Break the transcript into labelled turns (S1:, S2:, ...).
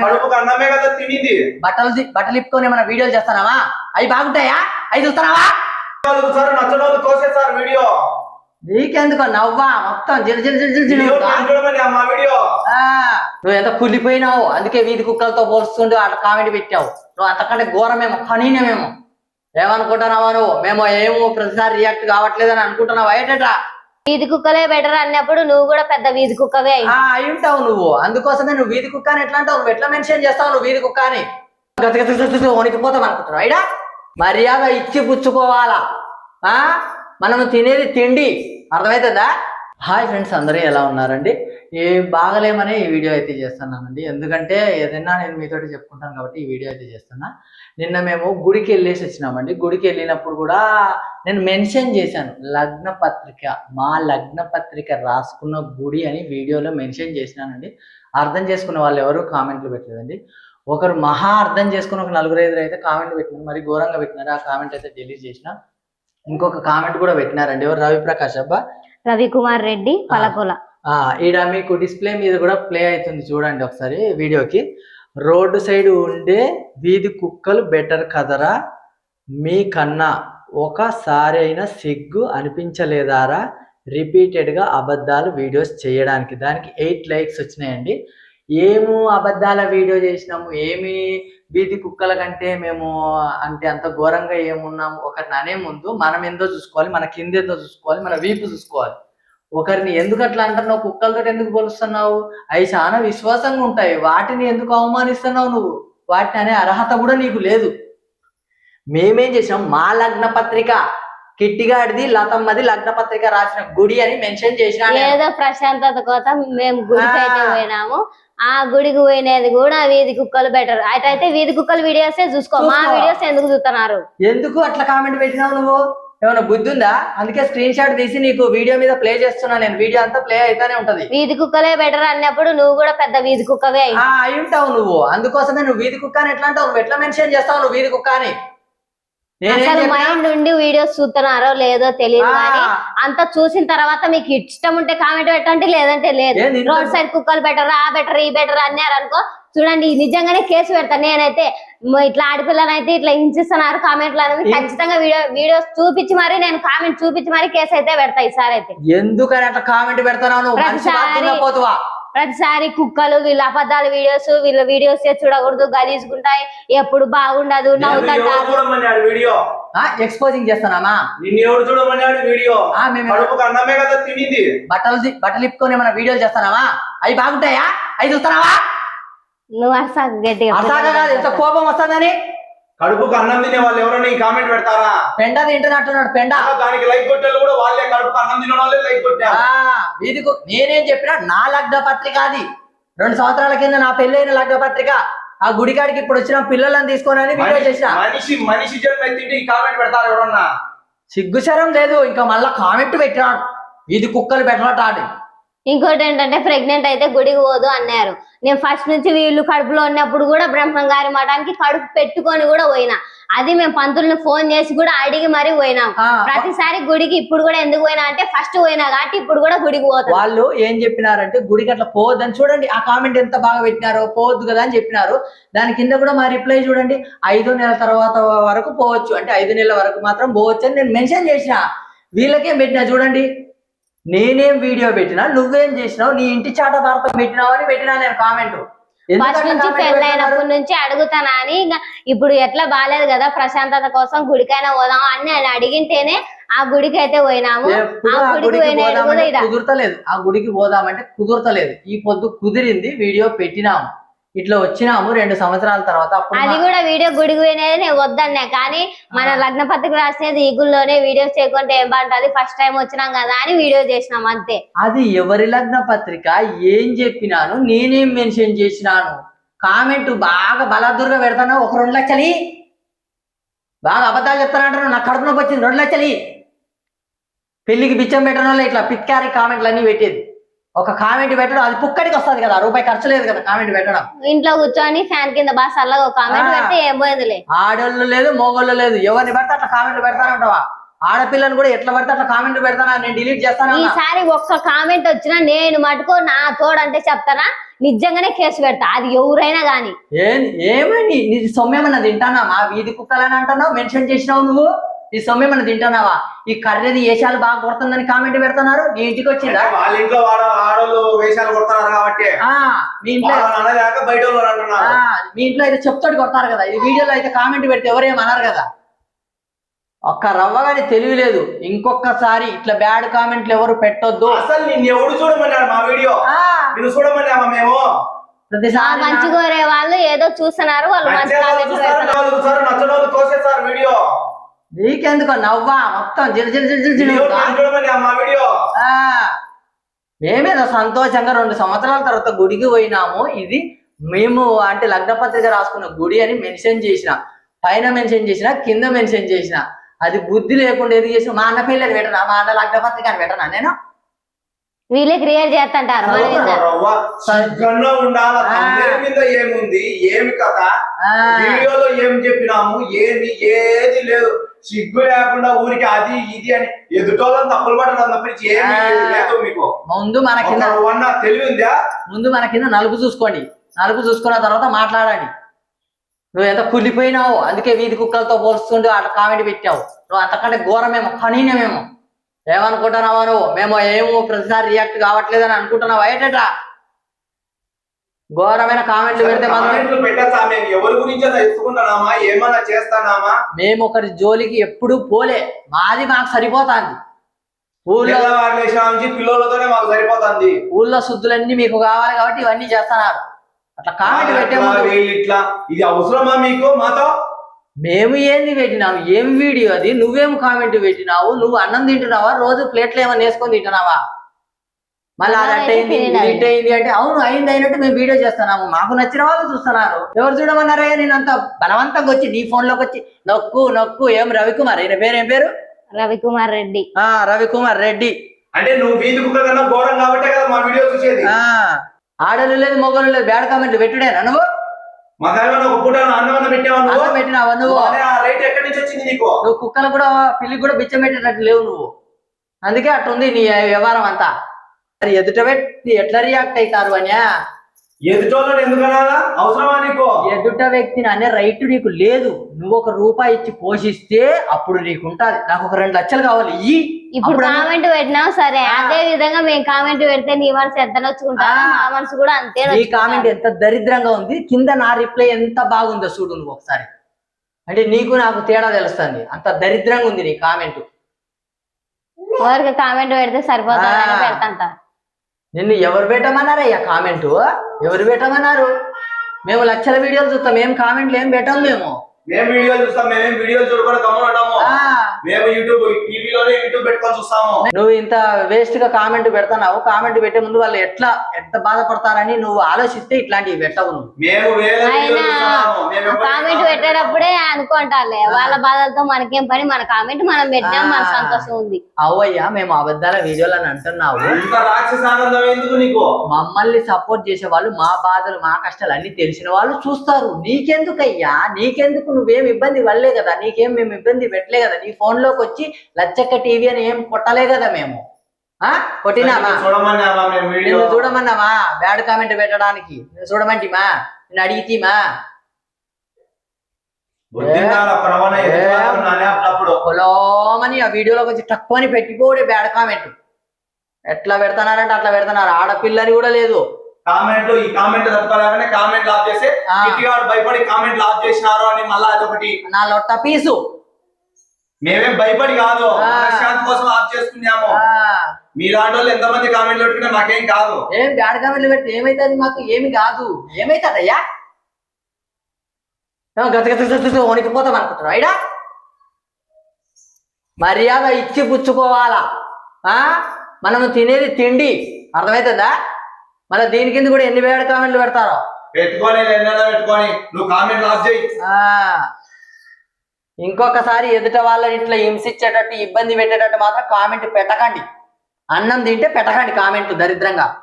S1: బట్టలు ఇప్పుకొని ఏమైనా వీడియోలు చేస్తానావా? అవి బాగుంటాయా? అవి చూస్తున్నావా?
S2: వీడియో
S1: నీకెందుకో నవ్వా మొత్తం నువ్వు ఎంత కుళ్ళిపోయినావు, అందుకే వీధి కుక్కలతో పోల్చుకుంటూ అట్లా కామెంట్ పెట్టావు. నువ్వు అంతకంటే ఘోరమేమో, కనీనమేమో. ఏమనుకుంటున్నావా నువ్వు? మేము ఏమో ప్రతిసారి రియాక్ట్ కావట్లేదని అనుకుంటున్నావా? ఏంటంటా
S3: వీధి కుక్కలే బెటర్ అన్నప్పుడు నువ్వు కూడా పెద్ద వీధి కుక్కవే
S1: అయి ఉంటావు నువ్వు. అందుకోసమే నువ్వు వీధి కుక్క అని ఎట్లా అంటావు? నువ్వు ఎట్లా మెన్షన్ చేస్తావు నువ్వు వీధి కుక్క అని? వణికిపోతావు అనుకుంటున్నావు. అయినా మర్యాద ఇచ్చి పుచ్చుకోవాలా? మనం తినేది తిండి, అర్థమవుతుందా? హాయ్ ఫ్రెండ్స్, అందరూ ఎలా ఉన్నారండి? బాగలేమని ఈ వీడియో అయితే చేస్తున్నానండి. ఎందుకంటే ఏదైనా నేను మీతోటి చెప్పుకుంటాను కాబట్టి ఈ వీడియో అయితే చేస్తున్నా. నిన్న మేము గుడికి వెళ్ళేసి వచ్చినామండి. గుడికి వెళ్ళినప్పుడు కూడా నేను మెన్షన్ చేశాను, లగ్న పత్రిక, మా లగ్న పత్రిక రాసుకున్న గుడి అని వీడియోలో మెన్షన్ చేసినానండి. అర్థం చేసుకున్న వాళ్ళు ఎవరు కామెంట్లు పెట్టలేదండి. ఒకరు మహా అర్థం చేసుకుని ఒక 4-5 అయితే కామెంట్లు పెట్టినారు, మరి ఘోరంగా పెట్టినారు. ఆ కామెంట్ అయితే డిలీట్ చేసిన. ఇంకొక కామెంట్ కూడా పెట్టినారండి. ఎవరు? రవిప్రకాష్ అబ్బా,
S3: రవికుమార్ రెడ్డి పలకొల.
S1: ఈడ మీకు డిస్ప్లే మీద కూడా ప్లే అవుతుంది చూడండి ఒకసారి వీడియోకి. రోడ్డు సైడ్ ఉండే వీధి కుక్కలు బెటర్ కదరా, మీకన్నా ఒకసారి అయినా సిగ్గు అనిపించలేదారా రిపీటెడ్గా అబద్ధాలు వీడియోస్ చేయడానికి? దానికి 8 లైక్స్ వచ్చినాయండి. ఏమో అబద్ధాల వీడియో చేసినాము, ఏమి వీధి కుక్కల కంటే మేము అంటే అంత ఘోరంగా ఏమున్నాము? ఒకరిని అనే ముందు మనం ఏందో చూసుకోవాలి, మన కింద ఏందో చూసుకోవాలి, మన వీపు చూసుకోవాలి. ఒకరిని ఎందుకు అట్లా అంటున్నావు? కుక్కలతో ఎందుకు పోలుస్తున్నావు? అవి చాలా విశ్వాసంగా ఉంటాయి, వాటిని ఎందుకు అవమానిస్తున్నావు నువ్వు? వాటిని అనే అర్హత కూడా నీకు లేదు. మేమేం చేసాం, మా లగ్న పత్రిక, కిట్టిగాడిది లతమ్మది లగ్న పత్రిక రాసిన గుడి అని మెన్షన్ చేసిన.
S3: ఏదో ప్రశాంతత కోసం మేము గుడికి అయితే పోయినాము. ఆ గుడికి పోయినది కూడా వీధి కుక్కలు బెటర్. అయితే వీధి కుక్కలు వీడియోస్ చూసుకో, మా వీడియోస్ ఎందుకు చూస్తున్నారు?
S1: ఎందుకు అట్లా కామెంట్ పెట్టినావు నువ్వు? ఏమైనా బుద్ధి ఉందా? అందుకే స్క్రీన్ షాట్ తీసి నీకు వీడియో మీద ప్లే చేస్తున్నా నేను. వీడియో అంతా ప్లే అయితేనే ఉంటది.
S3: వీధి కుక్కలే బెటర్ అన్నప్పుడు నువ్వు కూడా పెద్ద వీధి కుక్కవే
S1: అయి ఉంటావు నువ్వు. అందుకోసమే నువ్వు వీధి కుక్క అని ఎట్లా అంటావు? నువ్వు ఎట్లా మెన్షన్ చేస్తావు నువ్వు వీధి కుక్క అని?
S3: అసలు మైండ్ నుండి వీడియోస్ చూస్తున్నారో లేదో తెలియదు, కానీ అంత చూసిన తర్వాత మీకు ఇష్టం ఉంటే కామెంట్ పెట్టండి, లేదంటే లేదు. రోడ్ సైడ్ కుక్కలు బెటర్, ఆ బెటర్, ఈ బెటర్ అన్నారు అనుకో, చూడండి నిజంగానే కేసు పెడతాను నేనైతే. ఇట్లా ఆడపిల్లనైతే ఇట్లా హింసిస్తున్నారు కామెంట్లు అనేది ఖచ్చితంగా వీడియోస్ చూపించి మరి, నేను కామెంట్ చూపించి మరి కేసు అయితే పెడతా ఈసారి అయితే.
S1: ఎందుకని అట్లా కామెంట్ పెడతాను?
S3: ప్రతిసారి కుక్కలు వీళ్ళ అబద్ధాల వీడియోస్, వీళ్ళ వీడియోస్ చూడకూడదు, గలీజుకుంటాయి, ఎప్పుడు బాగుండదు,
S1: ఎక్స్పోజింగ్ చేస్తానా? బట్టలు ఇప్పుకొని ఏమైనా వీడియోలు చేస్తానావా? అవి బాగుంటాయా? అవి చూస్తున్నావా?
S3: నువ్వు అర్సాకు గట్టిగా
S1: ఎంత కోపం వస్తుందని.
S2: కడుపుకు అన్నం తినే వాళ్ళు ఎవరైనా ఈ కామెంట్ పెడతారా?
S1: పెండ తింటున్నట్టున్నాడు. పెండ
S2: దానికి లైక్ కొట్టారు కూడా వాళ్ళే, కడుపుకు అన్నం తిన వాళ్ళే లైక్ కొట్టారు.
S1: వీధికు నేనేం చెప్పినా, నా లగ్న పత్రిక అది. 2 సంవత్సరాల కింద నా పెళ్ళైన లగ్న పత్రిక. ఆ గుడికాడికి ఇప్పుడు వచ్చిన పిల్లలను తీసుకొని వీడియో చేసిన.
S2: మనిషి జన్మ ఎత్తింటే ఈ కామెంట్ పెడతారు ఎవరన్నా?
S1: సిగ్గుశరం లేదు. ఇంకా మళ్ళా కామెంట్ పెట్టినాడు, వీధి కుక్కలు పెట్టాడు.
S3: ఇంకోటి ఏంటంటే, ప్రెగ్నెంట్ అయితే గుడికి పోదు అన్నారు. నేను ఫస్ట్ నుంచి వీళ్ళు కడుపులో ఉన్నప్పుడు కూడా బ్రహ్మంగారి మఠానికి కడుపు పెట్టుకొని కూడా పోయినా. అది మేము పంతుల్ని ఫోన్ చేసి కూడా అడిగి మరీ పోయినాం. ప్రతిసారి గుడికి ఇప్పుడు కూడా ఎందుకు పోయినా అంటే, ఫస్ట్ పోయినా కాబట్టి ఇప్పుడు కూడా గుడికి పోతాం.
S1: వాళ్ళు ఏం చెప్పినారంటే, గుడికి అట్లా పోవద్దని. చూడండి ఆ కామెంట్ ఎంత బాగా పెట్టినారో, పోవద్దు కదా అని చెప్పినారు. దాని కింద కూడా మా రిప్లై చూడండి, 5 నెలల తర్వాత వరకు పోవచ్చు అంటే 5 నెలల వరకు మాత్రం పోవచ్చు అని నేను మెన్షన్ చేసిన. వీళ్ళకేం పెట్టినా చూడండి, నేనేం వీడియో పెట్టినా, నువ్వేం చేసినావు, నీ ఇంటి చాట భారతం పెట్టినావు అని పెట్టినా నేను కామెంట్.
S3: ఫస్ట్ నుంచి పెళ్ళైనప్పటి నుంచి అడుగుతానా అని. ఇప్పుడు ఎట్లా బాగాలేదు కదా, ప్రశాంతత కోసం గుడికైనా పోదాం అని నేను అడిగింటేనే ఆ గుడికి అయితే పోయినాము.
S1: కుదురతలేదు, ఆ గుడికి పోదామంటే కుదురతలేదు. ఈ పొద్దు కుదిరింది, వీడియో పెట్టినాము, ఇట్లా వచ్చినాము 2 సంవత్సరాల తర్వాత.
S3: అది కూడా వీడియో గుడికి పోయినది నేను వద్దన్నా, కానీ మన లగ్న పత్రిక రాసినది ఈ గుళ్ళోనే వీడియోస్ చేయకుంటే ఏం బాగుంటది, ఫస్ట్ టైం వచ్చినాం కదా అని వీడియో చేసినాం అంతే.
S1: అది ఎవరి లగ్న పత్రిక, ఏం చెప్పినాను, నేనేం మెన్షన్ చేసినాను? కామెంట్ బాగా బలాదుర్గా పెడతాను. ఒక 2 లక్షలు బాగా అబద్ధాలు చెప్తానంటారు. నాకు కడుపు నొప్పి వచ్చింది, 2 లక్షలు పెళ్లికి బిచ్చం పెట్టడం వల్ల ఇట్లా పిక్కారి కామెంట్లు అన్ని పెట్టేది. ఒక కామెంట్ పెట్టడం అది పుక్కడికి వస్తుంది కదా, రూపాయి ఖర్చు లేదు కదా కామెంట్ పెట్టడం.
S3: ఇంట్లో కూర్చొని ఫ్యాన్ కింద బాగా చల్లగా ఒక కామెంట్ పెడితే ఏం పోయేదిలే.
S1: ఆడోళ్ళు లేదు, మోగోళ్ళు లేదు, ఎవరిని పెడితే అట్లా కామెంట్లు పెడతానంటావా? ఆడపిల్లని కూడా ఎట్లా పడితే అట్లా కామెంట్ పెడతానా? నేను డిలీట్ చేస్తాను.
S3: ఈసారి ఒక్క కామెంట్ వచ్చినా నేను మటుకో నా తోడంటే చెప్తానా, నిజంగానే కేసు పెడతా, అది ఎవరైనా గాని.
S1: ఏమని నీ సొమ్మేమన్నా తింటానావా? వీధి కుక్కలని అంటున్నావు, మెన్షన్ చేసినావు నువ్వు. ఈ సొమ్మేమన్నా తింటానావా? ఈ కర్రెది వేషాలు బాగా కొడుతుందని కామెంట్ పెడుతున్నారు. నీ ఇంటికి వచ్చిందా?
S2: వాళ్ళ ఇంట్లో ఆడవాళ్ళు వేషాలు కొడుతున్నారు కాబట్టి
S1: మీ ఇంట్లో
S2: బయట వాళ్ళు అంటున్నారు.
S1: మీ ఇంట్లో అయితే చెప్తాడు కొడతారు కదా. ఈ వీడియోలో అయితే కామెంట్ పెడితే ఎవరేమన్నారు కదా. ఒక్క రవ్వగాని తెలివి లేదు. ఇంకొకసారి ఇట్లా బ్యాడ్ కామెంట్లు ఎవరు పెట్టొద్దు.
S2: అసలు నిన్ను ఎవడు చూడమన్నాడు మా వీడియో? నిన్ను చూడమన్నామా మేము?
S1: ప్రతిసారి
S3: మంచి కోరే వాళ్ళు ఏదో చూస్తున్నారు, వాళ్ళు మంచి కామెంట్లు పెడుతున్నారు.
S2: నచ్చడం తోసేసారు వీడియో.
S1: నీకెందుకో నవ్వా మొత్తం
S2: మా వీడియో.
S1: మేమేదో సంతోషంగా 2 సంవత్సరాల తర్వాత గుడికి పోయినాము. ఇది మేము అంటే లగ్నపత్రిక రాసుకున్న గుడి అని మెన్షన్ చేసిన, పైన మెన్షన్ చేసిన, కింద మెన్షన్ చేసిన. అది బుద్ధి లేకుండా ఏది చేసిన. మా అన్న పిల్లలు పెట్టనా, మా అన్న లగ్నపత్రిక అని పెట్టనా నేను?
S3: వీళ్ళే క్రియేట్ చేస్తుంటారు.
S2: ఏముంది, ఏమి కథ, వీడియోలో ఏం చెప్పినాము, ఏది లేదు. సిగ్గు లేకుండా ఊరికి అది ఇది అని ఎదుటోళ్ళని తప్పులు పట్టడం తప్పించి ఏమి లేదు మీకు.
S1: ముందు మన కింద
S2: తెలివి ఉందా?
S1: ముందు మన కింద నలుపు చూసుకోండి. నలుపు చూసుకున్న తర్వాత మాట్లాడండి. నువ్వు ఎంత కుళ్ళిపోయినావు, అందుకే వీధి కుక్కలతో పోల్చుకుంటూ అట్లా కామెంట్ పెట్టావు. నువ్వు అంతకంటే ఘోరమేమో, కనీనమేమో. ఏమనుకుంటున్నావా నువ్వు? మేము ఏమో ప్రతిసారి రియాక్ట్ కావట్లేదని అనుకుంటున్నావా? ఏటా ఘోరమైన కామెంట్లు పెడితే
S2: పెట్టా మేము ఎవరి గురించి ఎత్తుకుంటున్నామా, ఏమన్నా చేస్తానామా?
S1: మేము ఒకరి జోలికి ఎప్పుడు పోలే, మాది మాకు సరిపోతాంది. ఊళ్ళో
S2: పిల్లలతోనే మాకు సరిపోతుంది.
S1: ఊళ్ళో శుద్ధులన్నీ మీకు కావాలి కాబట్టి ఇవన్నీ చేస్తున్నారు. అట్లా కామెంట్ పెట్టే
S2: ఇట్లా ఇది అవసరమా మీకు మాతో?
S1: మేము ఏంది పెట్టినాము? ఏం వీడియో అది? నువ్వేం కామెంట్ పెట్టినావు? నువ్వు అన్నం తింటున్నావా? రోజు ప్లేట్లు ఏమైనా వేసుకొని తింటున్నావా? మళ్ళీ అది అట్టయింది ఇట్ అయింది అంటే అవును అయింది అయినట్టు మేము వీడియో చేస్తున్నాము. మాకు నచ్చిన వాళ్ళు చూస్తున్నారు. ఎవరు చూడమన్నారే? నేను అంత బలవంతంగా వచ్చి నీ ఫోన్ లోకి వచ్చి నొక్కు ఏం రవికుమార్, ఈయన పేరు ఏం పేరు?
S3: రవికుమార్ రెడ్డి.
S1: రవికుమార్ రెడ్డి.
S2: అంటే నువ్వు వీధి కుక్క కన్నా ఘోరం కాబట్టే కదా మా వీడియో చూసేది.
S1: ఆడలు లేదు మొగలు లేదు, బ్యాడ్ కామెంట్లు పెట్టుడేనా నువ్వు? పెట్టినావా నువ్వు? నువ్వు కుక్కలు కూడా పిల్లి కూడా బిచ్చం పెట్టేటట్టు లేవు నువ్వు. అందుకే అట్టుంది నీ వ్యవహారం అంతా. ఎదుట వ్యక్తి ఎట్లా రియాక్ట్ అవుతారు అన్యా?
S2: ఎదుటోళ్ళని ఎందుకనాలా? అవసరమా నీకు?
S1: ఎదుట వ్యక్తిని అనే రైట్ నీకు లేదు. నువ్వు ₹1 ఇచ్చి పోషిస్తే అప్పుడు నీకు ఉంటది. నాకు ఒక 2 లక్షలు కావాలి.
S3: ఇప్పుడు కామెంట్ పెట్టినావు సరే, అదే విధంగా మేము కామెంట్ పెడితే నీ మనసు ఎంత నచ్చుకుంటా, మా మనసు కూడా అంతే.
S1: ఈ కామెంట్ ఎంత దరిద్రంగా ఉంది, కింద నా రిప్లై ఎంత బాగుందో చూడు నువ్వు ఒకసారి. అంటే నీకు నాకు తేడా తెలుస్తుంది. అంత దరిద్రంగా ఉంది నీ కామెంట్.
S3: ఎవరికి కామెంట్ పెడితే సరిపోతుందని పెడతా.
S1: నిన్ను ఎవరు పెట్టమన్నారయ్యా కామెంట్? ఎవరు పెట్టమన్నారు? మేము లక్షల వీడియోలు చూస్తాం, ఏం కామెంట్లు ఏం పెట్టాం.
S2: మేము వీడియోలు చూస్తాం, మేమేం వీడియోలు చూడకుండా గమనింటాము. మేము టీవీలోనే యూట్యూబ్ పెట్టుకొని చూస్తాము.
S1: నువ్వు ఇంత వేస్ట్ గా కామెంట్ పెడతావు. కామెంట్ పెట్టే ముందు వాళ్ళు ఎంత బాధపడతారని నువ్వు ఆలోచిస్తే ఇట్లాంటివి పెట్టవు.
S3: కామెంట్ పెట్టేటప్పుడే అనుకుంటారులే, వాళ్ళ బాధలతో మనకేం పని, మన కామెంట్ మనం పెట్టాం, మన సంతోషం ఉంది.
S1: అవయ్యా మేము అబద్ధాల వీడియోలని అంటున్నావు.
S2: నీకు
S1: మమ్మల్ని సపోర్ట్ చేసే వాళ్ళు, మా బాధలు మా కష్టాలు అన్ని తెలిసిన వాళ్ళు చూస్తారు. నీకెందుకయ్యా? నీకెందుకు? నువ్వేం ఇబ్బంది పడలే కదా, నీకేం మేము ఇబ్బంది పెట్టలే కదా. నీ ఫోన్ లోకి వచ్చి లచ్చక్క టీవీ అని ఏం కొట్టలే కదా మేము. కొట్టినామా? చూడమన్నామా? బ్యాడ్ కామెంట్ పెట్టడానికి చూడమంటిమా? నేను అడిగితీమా? పొలోమని ఆ వీడియోలోకి వచ్చి తక్కువని పెట్టిపోడే బ్యాడ్ కామెంట్. ఎట్లా పెడతానారంటే అట్లా పెడతాన్నారు. ఆడపిల్లని కూడా లేదు.
S2: కామెంట్లు ఈ కామెంట్ తప్పలేకనే కామెంట్ ఆఫ్ చేసి భయపడి కామెంట్ ఆఫ్ చేసినారు అని మళ్ళీ అదొకటి
S1: నా లొట్ట పీసు.
S2: మేమేం భయపడి కాదు, శాంతి కోసం ఆఫ్ చేసుకున్నాము. మీలాంటి వాళ్ళు ఎంతమంది కామెంట్లు పెట్టుకున్నా మాకేం కాదు.
S1: ఏం బ్యాడ్ కామెంట్లు పెడితే ఏమైతుంది? మాకు ఏమి కాదు. ఏమైతుందయ్యా? వణికిపోతాం అనుకుంటున్నావు అయినా? మర్యాద ఇచ్చి పుచ్చుకోవాలా. మనము తినేది తిండి, అర్థమవుతుందా? మళ్ళీ దీని కింద కూడా ఎన్ని బ్యాడ్ కామెంట్లు పెడతారో
S2: పెట్టుకొని నువ్వు కామెంట్లు ఆఫ్ చేయి.
S1: ఇంకొకసారి ఎదుట వాళ్ళని ఇట్లా హింసించేటట్టు ఇబ్బంది పెట్టేటట్టు మాత్రం కామెంట్ పెట్టకండి. అన్నం తింటే పెట్టకండి కామెంట్ దరిద్రంగా.